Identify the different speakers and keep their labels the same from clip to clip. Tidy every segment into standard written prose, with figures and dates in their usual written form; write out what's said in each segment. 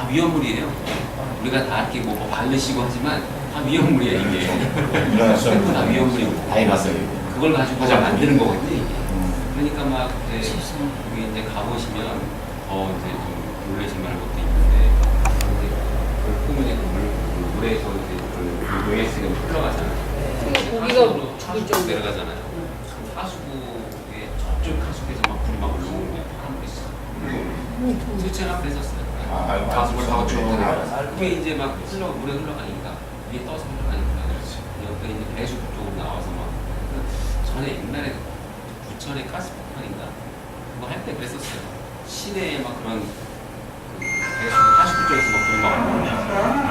Speaker 1: 다 위험물이에요. 우리가 다 이렇게 뭐 바르시고 하지만 다 위험물이에요 이게. 전부 다 위험물이고.
Speaker 2: 다 해봤어요.
Speaker 1: 그걸 가지고 만드는 거거든요 이게. 그러니까 막 이제 여기 이제 가보시면 더 이제 좀 놀라실 만한 것도 있는데 이제 그 꿈은 이제 물에서 이제 그 OS가 흘러가잖아요.
Speaker 3: 고기가 죽을
Speaker 1: 쭉 내려가잖아요. 하수구에 저쪽 하수구에서 막 불이 막 올라오는 게 파란불이 있어. 실제로 그랬었어요. 가수를 다 쭉. 그게 이제 막 물에 흘러가니까 위에 떠서 흘러가니까 옆에 이제 배수 쪽으로 나와서 막 전에 옛날에 부천의 가스폭탄인가 그거 할 때 그랬었어요. 시내에 막 그런 그 배수 하수구 쪽에서 막 불이 막 올라오고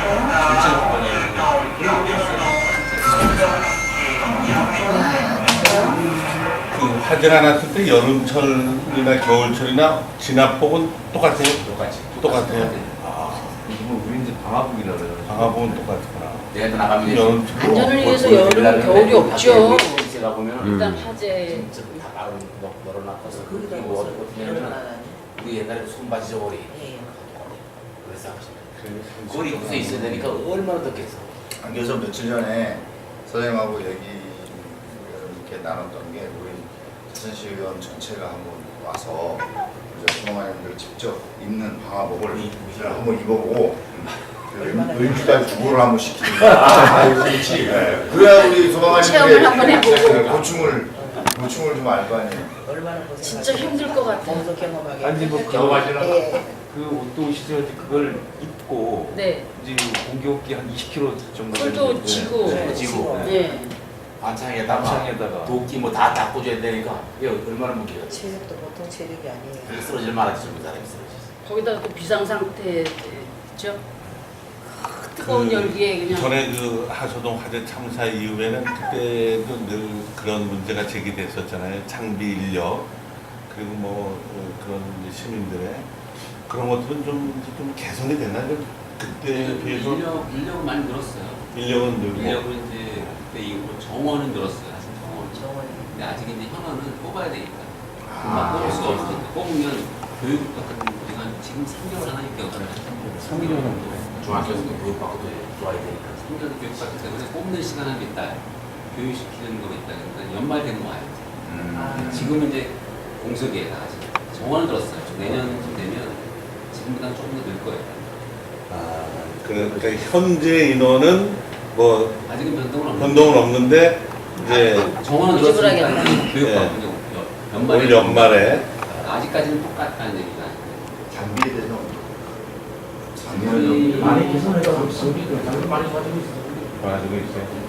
Speaker 1: 진짜 그런 게 있어요.
Speaker 4: 그 화재가 났을 때 여름철이나 겨울철이나 진압복은 똑같아요? 똑같아요.
Speaker 2: 이거 우리 이제 방화복이라 그래요.
Speaker 4: 방화복은 똑같구나.
Speaker 2: 내가 나가면
Speaker 4: 여름철.
Speaker 3: 안전을 위해서 여름, 겨울이 없죠.
Speaker 2: 제가 보면
Speaker 3: 일단 화재
Speaker 2: 진짜 다 널어놨어서 그게 뭐 어떻냐면 우리 옛날에 손바지 저고리 그래서 꼬리 구세 있어야 되니까 얼마나 덥겠어.
Speaker 5: 그래서 며칠 전에 선생님하고 얘기 이렇게 나눴던 게 우리 자선시의원 전체가 한번 와서 소방관님들 직접 입는 방화복을 한번 입어보고 의무까지 구호를 한번 시키는 거야. 그렇지. 그래야 우리
Speaker 3: 체험을 한번
Speaker 5: 소방관님들의
Speaker 3: 해보고.
Speaker 5: 고충을 좀 알 거 아니에요.
Speaker 6: 얼마나 고생
Speaker 3: 진짜 힘들 것 같아요.
Speaker 6: 몸도 경험하게.
Speaker 7: 아니 뭐
Speaker 2: 경험하시나?
Speaker 7: 그 옷도 오시죠. 그걸 입고
Speaker 3: 네.
Speaker 7: 이제 공기업기 한 20km 정도
Speaker 3: 쿨도
Speaker 7: 되는데,
Speaker 3: 지고.
Speaker 7: 네.
Speaker 2: 지고
Speaker 3: 네.
Speaker 2: 반창에다가 도끼 뭐 다 닦고 줘야 되니까 이게 얼마나 무게가
Speaker 6: 체력도 보통 체력이 아니에요.
Speaker 2: 쓰러질 만하지 좀 사람이 쓰러졌어.
Speaker 3: 거기다가 또 비상 상태죠. 뜨거운 열기에 그냥.
Speaker 4: 전에 그 하소동 화재 참사 이후에는 그때도 늘 그런 문제가 제기됐었잖아요. 장비 인력 그리고 뭐 그런 이제 시민들의 그런 것들은 좀 개선이 됐나요? 그때에 비해서
Speaker 1: 인력은 많이 늘었어요.
Speaker 4: 인력은 늘고
Speaker 1: 인력은 이제 그때 이후로 정원은 늘었어요. 사실 정원.
Speaker 6: 정원이.
Speaker 1: 근데 아직 이제 현원은 뽑아야 되니까.
Speaker 4: 아,
Speaker 1: 뽑을 수가 없으니까. 뽑으면 교육부터 우리가 지금 3개월 하나 6개월 하나 3개월 정도.
Speaker 2: 중학교에서 교육받고 좋아야 되니까.
Speaker 1: 3개월 교육받기 때문에 뽑는 시간 한 몇 달, 교육시키는 거 있다. 그러니까 연말 되는 거 알죠. 지금은 이제 공석이에요, 아직. 정원을 들었어요. 내년쯤 되면 지금보다는 조금 더 늘 거예요.
Speaker 4: 아, 그러니까 현재 인원은 뭐
Speaker 1: 아직은
Speaker 4: 변동은 없는데 이제
Speaker 1: 정원은
Speaker 3: 유지불하게
Speaker 1: 들었으니까
Speaker 3: 한다.
Speaker 1: 교육받고 연말에
Speaker 4: 올 연말에
Speaker 1: 아직까지는 똑같다는 얘기가
Speaker 5: 장비에 대해서
Speaker 2: 많이 개선해가지고 장비 많이 가지고 있어.
Speaker 4: 가지고 있어요.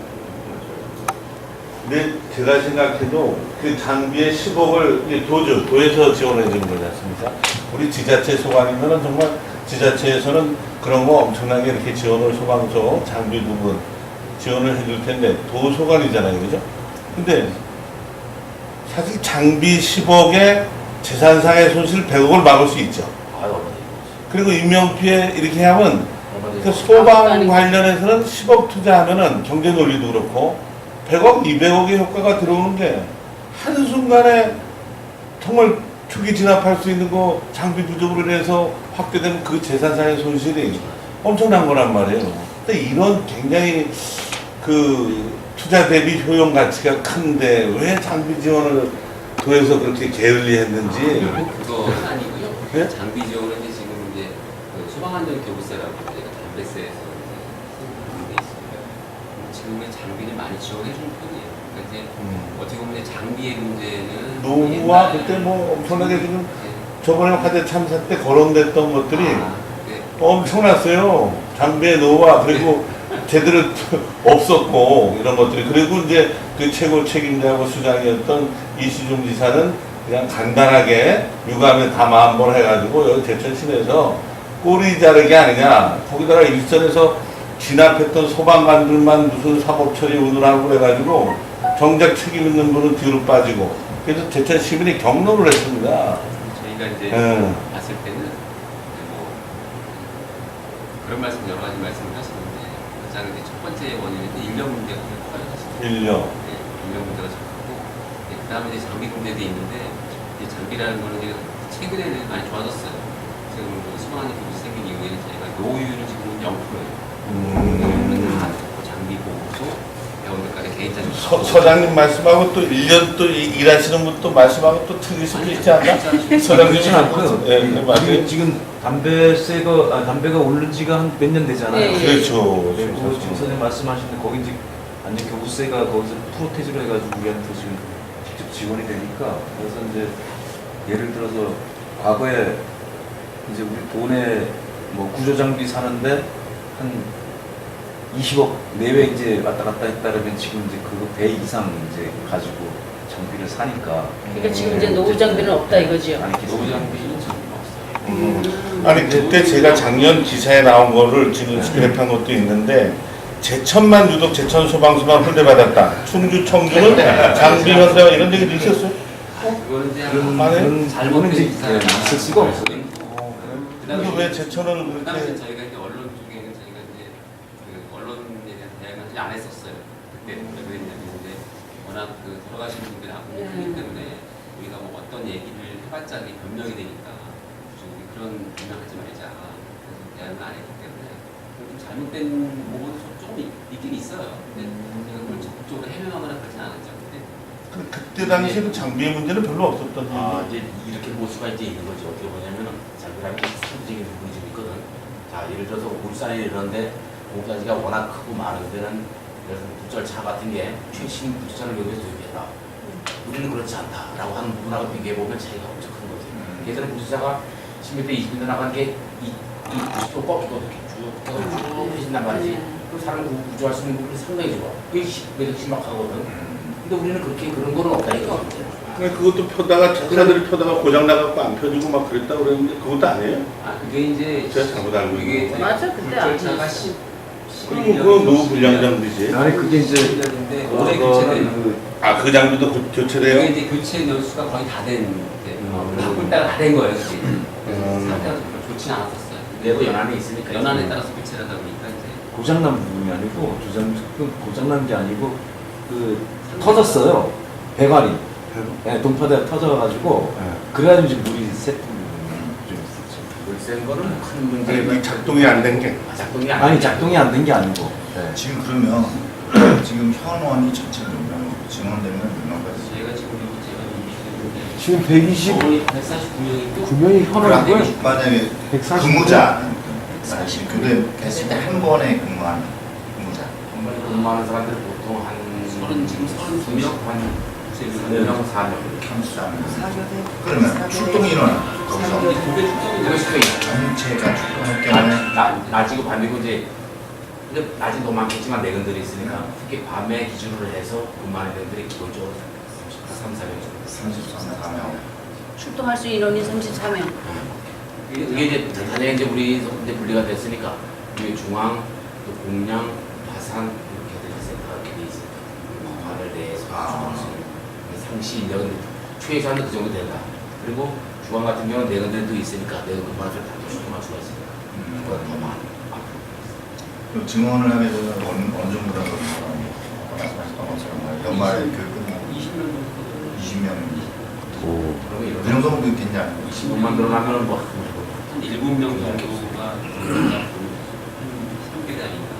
Speaker 4: 근데 제가 생각해도 그 장비의 10억을 도에서 지원해 주는 거지 않습니까? 우리 지자체 소관이면은 정말 지자체에서는 그런 거 엄청나게 이렇게 지원을 소방서 장비 부분 지원을 해줄 텐데 도 소관이잖아요, 그죠? 근데 사실 장비 10억에 재산상의 손실 100억을 막을 수 있죠. 그리고 인명피해 이렇게 하면 그 소방 관련해서는 10억 투자하면은 경제 논리도 그렇고 100억, 200억의 효과가 들어오는 게 한순간에 정말 초기 진압할 수 있는 거 장비 부족으로 인해서 확대된 그 재산상의 손실이 엄청난 거란 말이에요. 근데 이런 굉장히 그 투자 대비 효용 가치가 큰데 왜 장비 지원을 도에서 그렇게 게을리했는지.
Speaker 1: 그거 아니고요.
Speaker 4: 네?
Speaker 1: 장비 지원은 이제 지금 이제 그 소방안전교부세라고 저희가 담배세에서 이제 게 있습니다. 지금은 장비를 많이 지원해 주는 편이에요. 그러니까 이제 어떻게 보면 이제 장비의 문제는
Speaker 4: 노후와 그때 뭐 엄청나게 지금 저번에 화재 참사 때 거론됐던 것들이
Speaker 1: 네.
Speaker 4: 엄청났어요. 장비의 노후와 그리고 제대로 없었고 이런 것들이. 그리고 이제 그 최고 책임자하고 수장이었던 이시중 지사는 그냥 간단하게 유감에 담아 한번 해가지고 여기 제천 시내에서 꼬리 자르기 아니냐. 거기다가 일선에서 진압했던 소방관들만 무슨 사법 처리 운운하고 그래가지고 정작 책임 있는 분은 뒤로 빠지고. 그래서 제천 시민이 경로를 했습니다.
Speaker 1: 저희가 이제 봤을 때는 뭐 그런 말씀 여러 가지 말씀을 하시는데 가장 이제 첫 번째 원인은 인력 문제가 좀 커요. 사실.
Speaker 4: 인력.
Speaker 1: 네, 인력 문제가 좀 크고 그 다음에 이제 장비 문제도 있는데 이 장비라는 거는 이제 최근에는 많이 좋아졌어요. 지금 그 소방안전 교부세 생긴 노후율은 지금 0%예요. 장비 보고서 배우들까지 개인 자료.
Speaker 4: 서장님 말씀하고 또 1년 또 일하시는 분 또 말씀하고 또 틀릴 수도 있지 않나? 서장님
Speaker 7: 그렇진 않고요.
Speaker 4: 예, 맞아요.
Speaker 7: 지금 담배가 오른 지가 한 몇 년 되잖아요.
Speaker 3: 네.
Speaker 4: 그렇죠.
Speaker 7: 그리고 지금 선생님 말씀하시는 거기 이제 완전 교부세가 거기서 프로테이즈로 해가지고 우리한테 지금 직접 지원이 되니까 그래서 이제 예를 들어서 과거에 이제 우리 돈에 뭐 구조 장비 사는데 한 20억 내외 이제 왔다 갔다 했다면 지금 이제 그거 배 이상 이제 가지고 장비를 사니까.
Speaker 3: 그러니까 지금 이제 노후 장비는 없다 이거지요.
Speaker 7: 아니
Speaker 1: 노후 장비는 지금 없어요.
Speaker 4: 아니 그때 제가 작년 기사에 나온 거를 지금 스크랩한 것도 있는데 제천만 유독 제천 소방서만 홀대받았다. 충주, 청주는 장비 현대화 이런 얘기도 있었어요.
Speaker 1: 그거는 이제
Speaker 7: 그런
Speaker 1: 잘못된
Speaker 7: 이제
Speaker 1: 기사가
Speaker 7: 있을 수가 없어요.
Speaker 4: 그래서 왜 제천은
Speaker 1: 그 당시에
Speaker 4: 그렇게
Speaker 1: 저희가 이제 언론 쪽에는 저희가 이제 그 언론에 대한 대응을 안 했었어요. 그때 왜 그랬냐면 이제 워낙 그 돌아가신 분들이 아프기 때문에 우리가 뭐 어떤 얘기를 해봤자 이게 변명이 되니까 좀 그런 변명하지 말자. 그래서 대응을 안 했기 때문에 좀 잘못된 부분은 조금 있긴 있어요. 근데 제가 그걸 적극적으로 해명하거나 그러진 않았죠. 근데
Speaker 4: 그때 당시에는 장비의 문제는 별로 없었던
Speaker 2: 아,
Speaker 4: 얘기.
Speaker 2: 이제 이렇게 볼 수가 이제 있는 거죠. 어떻게 보냐면은 장비라는 게 상대적인 부분이 좀 있거든. 자, 예를 들어서 울산에 이러는데 공사지가 워낙 크고 많은 데는 예를 들어서 국절차 같은 게 최신 국절차를 여기서 도입했다. 우리는 그렇지 않다라고 하는 부분하고 비교해보면 차이가 엄청 큰 거지. 예전에 국절차가 10m, 20m 나간 게 이 90도 꺾이거든. 쭉 해진단 말이지. 그 사람을 구조할 수 있는 부분이 상당히 좋아. 그게 매력 심각하거든. 근데 우리는 그렇게 그런 거는 없다 이거.
Speaker 4: 그것도 펴다가 차들이 펴다가 고장 나갖고 안 펴지고 막 그랬다 그랬는데 그것도 아니에요?
Speaker 1: 아 그게 이제
Speaker 4: 제가 잘못 알고 있는
Speaker 1: 이게
Speaker 4: 거.
Speaker 3: 맞아, 그때
Speaker 1: 절차가
Speaker 3: 아니었어.
Speaker 4: 그럼 그건 노후 불량 장비지.
Speaker 7: 아니 그게 이제
Speaker 1: 인데 올해 교체된
Speaker 4: 아 그 장비도
Speaker 1: 그게
Speaker 4: 교체돼요?
Speaker 1: 이제 교체 연수가 거의 다된 바꿀 때가 다 된 거예요. 그게 상태가 좋지는 않았었어요.
Speaker 2: 내도 연안에 있으니까.
Speaker 1: 연안에 따라서 교체를 하다 보니까 이제
Speaker 7: 고장난 부분이 아니고 고장난 게 아니고 그 터졌어요. 배관이. 네, 동파대가 터져가지고 그래가지고 이제 물이 샜던 부분이 좀 있었죠.
Speaker 2: 물센 거는 큰
Speaker 4: 아니
Speaker 2: 문제가
Speaker 4: 이 작동이 안 된 게.
Speaker 2: 작동이 안
Speaker 7: 아니
Speaker 2: 돼.
Speaker 7: 작동이 안 된 게 아니고. 네.
Speaker 5: 지금 그러면 지금 현원이 전체 몇 명이고 증원되면 몇 명까지?
Speaker 1: 저희가 지금 제가
Speaker 7: 지금 120
Speaker 1: 149명이고
Speaker 7: 9명이 현원이고요.
Speaker 5: 만약에
Speaker 7: 140
Speaker 5: 근무자 근데 됐을 때 한 번에 근무하는 근무자
Speaker 2: 정말 근무하는 사람들 보통 한
Speaker 1: 지금 32명
Speaker 2: 한 3명, 4명 이렇게
Speaker 5: 함수하면
Speaker 6: 사교대
Speaker 5: 그러면 출동 인원은 거기서
Speaker 1: 그게 축적이
Speaker 5: 전체가 출동할 경우에
Speaker 2: 낮이고 밤이고 이제 근데 낮이 너무 많겠지만 내근들이 있으니까 특히 밤에 기준으로 해서 근무하는 애들이 기본적으로 3, 4명 정도
Speaker 5: 33명
Speaker 3: 출동할 수 인원이 34명.
Speaker 2: 이게 이제 단위가 이제 우리 이제 분리가 됐으니까 우리 중앙, 또 공양, 화산 이렇게 센터가 이렇게 돼 있으니까 관을 내에서 상시 인력은 최소한 그 정도 된다. 그리고 중앙 같은 경우는 내근들도 있으니까 내근 근무할 때 단도 출동할 수가 있으니까 그보다 더 많아.
Speaker 5: 그럼 증원을 하게 되면 어느 정도 되는 말씀하셨던 것처럼 연말에 교육 끝나고 20명
Speaker 2: 그러면
Speaker 5: 그
Speaker 2: 이런
Speaker 5: 정도면 괜찮지 않나요?
Speaker 2: 20명만 늘어나면 뭐
Speaker 1: 한 7명 정도가 3개대 아닌가.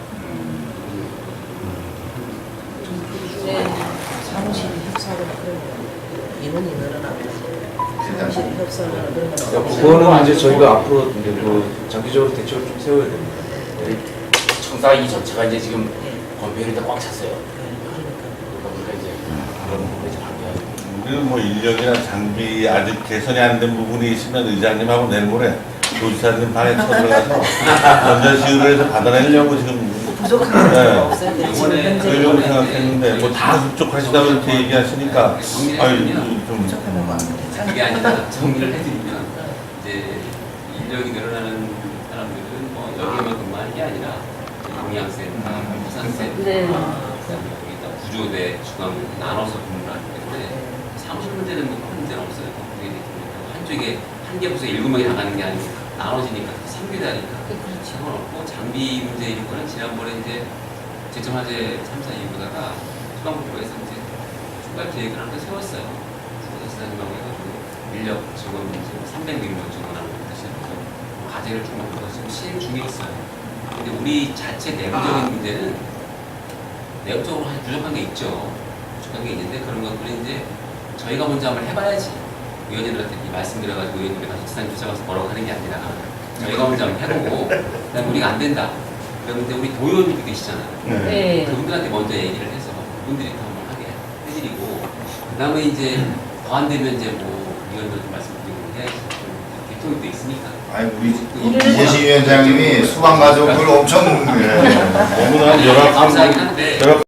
Speaker 3: 네.
Speaker 6: 사무실 협사를 그러면 인원이 늘어나고 사무실 협사를 그러면
Speaker 7: 그거는 이제 저희가 앞으로 이제 그 장기적으로 대책을 좀 세워야 됩니다.
Speaker 2: 청사 이 전체가 이제 지금
Speaker 6: 예.
Speaker 2: 건폐율이 다 꽉 찼어요.
Speaker 6: 그러니까
Speaker 2: 그러니까 이제 그런 부분이 좀 안돼가지고
Speaker 4: 우리는 뭐 인력이나 장비 아직 개선이 안 된 부분이 있으면 의장님하고 내일 모레 도지사님 방에 쳐들어가서 전자시위를 해서 받아내려고 지금
Speaker 6: 부족한
Speaker 4: 네.
Speaker 6: 게 없어요. 근데 지금 현재
Speaker 4: 그러려고 생각했는데 뭐 다 그쪽하시다고 이렇게 얘기하시니까 아유 좀
Speaker 6: 부족하다고 하면
Speaker 1: 그게
Speaker 6: 괜찮아요.
Speaker 1: 아니라 정리를 해드리면 이제 인력이 늘어나는 사람들은 뭐 여기에만 근무하는 게 아니라 공양센터, 부산센터,
Speaker 3: 네.
Speaker 1: 그다음에 여기다 구조대, 중앙 나눠서 근무를 하기 때문에 사무실 문제는 뭐 큰 문제는 없어요. 그게 이제 한쪽에 한 개 부서에 7명이 나가는 게 아니고 나눠지니까 3개다 하니까 상관없고 장비 문제인 거는 지난번에 이제 제청화재 참사 이후다가 소방부에서 이제 추가 계획을 하나 세웠어요. 지사님하고 해가지고 인력 지원 문제 300명 지원하는 것도 시작해서 과제를 좀 지금 시행 중에 있어요. 근데 우리 자체 내부적인 문제는 내부적으로 부족한 게 있죠. 부족한 게 있는데 그런 것들은 이제 저희가 먼저 한번 해봐야지. 의원님들한테 말씀드려가지고 의원님이 가서 지상 조사가서 뭐라고 하는 게 아니라 저희가 먼저 한번 해보고 그다음에 우리가 안 된다. 그러면 이제 우리 도의원님들 계시잖아요.
Speaker 3: 네.
Speaker 1: 그분들한테 먼저 얘기를 해서 그분들이 더 한번 하게 해드리고 그다음에 이제 더 안 되면 이제 뭐 의원들 좀 말씀드리고 해야지. 개통이 또 있으니까.
Speaker 5: 아니 우리 이재시 위원장님이 수방 가족을 엄청
Speaker 4: 너무나
Speaker 1: 감사하긴 한데